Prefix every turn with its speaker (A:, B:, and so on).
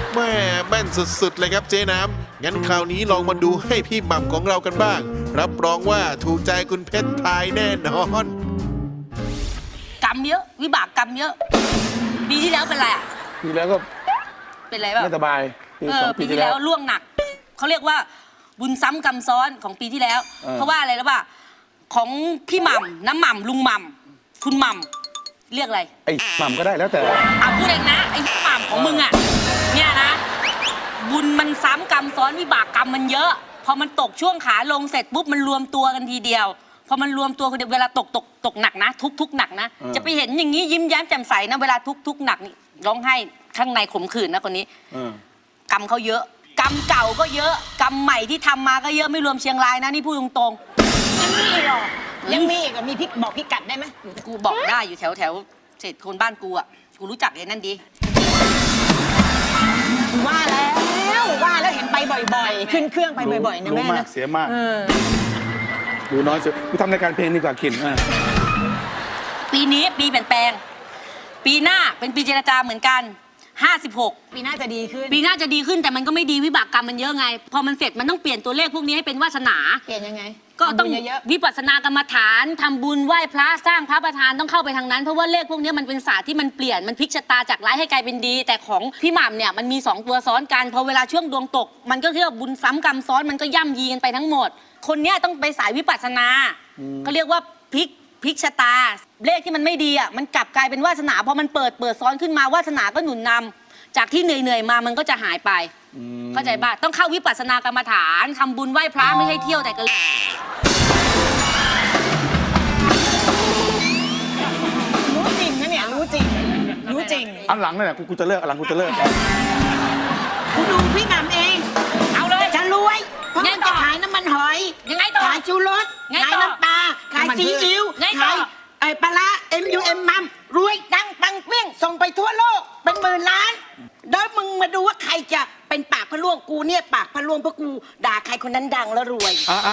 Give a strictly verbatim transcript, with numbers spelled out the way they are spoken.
A: แม่แม่นสุดๆเลยครับเจ๊น้ำงั้นคราวนี้ลองมาดูให้พี่หม่ำของเรากันบ้างรับรองว่าถูกใจคุณเพชรทายแน่นอน
B: กรรมเยอะวิบากกรรมเยอะปีที่แล้วเป็นไรอ่ะ
C: ปีแล้วก็
B: เป็นไรบ้าง
C: ไม่สบาย
B: เออปีที่แล้วล่วงหนักเขาเรียกว่าบุญซ้ำกรรมซ้อนของปีที่แล้ว เพราะว่าอะไรรู้ป่ะของพี่หม่ำน้ำหม่ำลุงหม่ำคุณหม่ำเรียกอะไร
C: ไอ้หม่ำก็ได้แล้วแต่
B: อ่ะพูดเองนะไอ้หม่ำของมึงอ่ะเนี่ยนะบุญมันซ้ำกรรมซ้อนวิบากกรรมมันเยอะพอมันตกช่วงขาลงเสร็จปุ๊บมันรวมตัวกันทีเดียวพอมันรวมตัวกันเวลาตกตกตกหนักนะทุกทุกหนักนะจะไปเห็นอย่างนี้ยิ้มแย้มแจ่มใสนะเวลาทุกทุกหนักนี่ร้องไห้ข้างในขมขื่นนะคนนี้กรรมเขาเยอะกรรมเก่าก็เยอะกรรมใหม่ที่ทำมาก็เยอะไม่รวมเชียงรายนะนี่พูดตรง
D: ๆยังมีหรอยังมีอีกมีพิกบอกพิกัดได้ไหม
B: กูบอกได้อยู่แถวแถวเศษคนบ้านกูอ่ะกูรู้จักเลยนั่นดี
D: ว่าแล้วว่าแล้วเห็นไปบ่อยๆขึ้นเครื่องไปบ่อยๆนะแม่
C: นะเสียมากดูน้อยสุดกูทำรายการเพลงดีกว่าขิน
B: ปีนี้ปีเปลี่ยนแปลงปีหน้าเป็นปีเจรจาเหมือนกันห้าสิบหก
D: ปีหน้าจะดีขึ้น
B: ปีหน้าจะดีขึ้นแต่มันก็ไม่ดีวิบากกรรมมันเยอะไงพอมันเสร็จมันต้องเปลี่ยนตัวเลขพวกนี้ให้เป็นวาสนา
D: เปลี่ยนยังไง
B: ก็ต้องวิปัสสนากรรมฐานทำบุญไหว้พระสร้างพระประธานต้องเข้าไปทางนั้นเพราะว่าเลขพวกนี้มันเป็นศาสตร์ที่มันเปลี่ยนมันพลิกชะตาจากร้ายให้กลายเป็นดีแต่ของพี่หม่ำเนี่ยมันมีสองตัวซ้อนกันพอเวลาช่วงดวงตกมันก็เรียกว่าบุญซ้ำกรรมซ้อนมันก็ย่ำยีกันไปทั้งหมดคนเนี้ยต้องไปสายวิปัสสนาก็เรียกว่าพลิกพลิกชะตาเลขที่มันไม่ดีอ่ะมันกลับกลายเป็นวาสนาพอมันเปิดเปิดซ้อนขึ้นมาวาสนาก็หนุนนำจากที่เหนื่อยๆมามันก็จะหายไปเข้าใจป่ะต้องเข้าวิปัสสนากรรมฐานทำบุญไหว้พระไม่ใช่เที่ยวแต่ก็
D: รู้จริงนะเนี่ยรู้จริงรู้จริง
C: อันหลังนั่นแหละกูจะเลิกอันหลังกูจะเลิก
D: กูดูพี่หม่ำเอง
B: เอาเลย
D: จะรวยเพราะมันจะขายน้ำมันหอย
B: ยังไงต่อ
D: ขายชูรสขายน้ำปลาขายซีอิ๊วขายไอ้ปลาเอ็มยูเอ็มมัมรวยดังปังเปี้ยงส่งไปทั่วโลกเป็นหมื่นล้านเดี๋ยวมึงมาดูว่าใครจะเป็นปากพะล่วงกูเนี่ยปากพะล่วงเพราะกูด่าใครคนนั้นดังแล้วรวย